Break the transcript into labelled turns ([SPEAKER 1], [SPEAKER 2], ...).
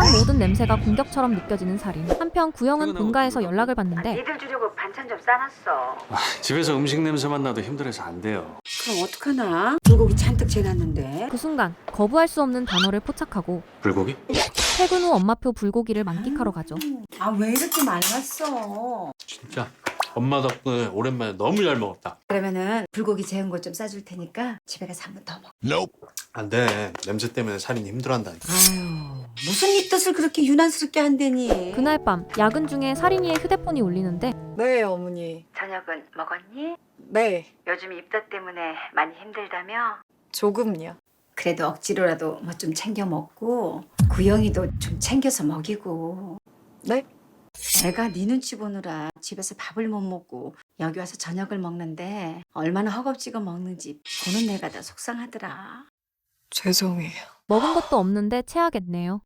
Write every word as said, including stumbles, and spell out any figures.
[SPEAKER 1] 세상 모든 냄새가 공격처럼 느껴지는 살인. 한편 구영은 본가에서 연락을 받는데
[SPEAKER 2] 니들 주려고 반찬 좀 싸놨어.
[SPEAKER 3] 아, 집에서 음식 냄새만 나도 힘들어서 안 돼요.
[SPEAKER 2] 그럼 어떡하나? 불고기 잔뜩 재놨는데.
[SPEAKER 1] 그 순간 거부할 수 없는 단어를 포착하고
[SPEAKER 3] 불고기?
[SPEAKER 1] 퇴근 후 엄마표 불고기를 만끽하러 가죠.
[SPEAKER 2] 아 왜 이렇게 말랐어?
[SPEAKER 3] 진짜 엄마 덕분에 오랜만에 너무 잘 먹었다.
[SPEAKER 2] 그러면은 불고기 재운 거 좀 싸줄 테니까 집에 가서 한 번 더 먹어.
[SPEAKER 3] 안 돼. 냄새 때문에 살인이 힘들어한다니까.
[SPEAKER 2] 아유 무슨 네 뜻을 그렇게 유난스럽게 한대니?
[SPEAKER 1] 그날 밤 야근 중에 살인이의 휴대폰이 울리는데
[SPEAKER 4] 네, 어머니.
[SPEAKER 2] 저녁은 먹었니?
[SPEAKER 4] 네,
[SPEAKER 2] 요즘 입덧 때문에 많이 힘들다며?
[SPEAKER 4] 조금요.
[SPEAKER 2] 그래도 억지로라도 뭐 좀 챙겨 먹고 구영이도 좀 챙겨서 먹이고.
[SPEAKER 4] 네?
[SPEAKER 2] 애가 네 눈치 보느라 집에서 밥을 못 먹고 여기 와서 저녁을 먹는데 얼마나 허겁지겁 먹는지 보는 내가 다 속상하더라.
[SPEAKER 4] 죄송해요.
[SPEAKER 1] 먹은 것도 없는데 체하겠네요.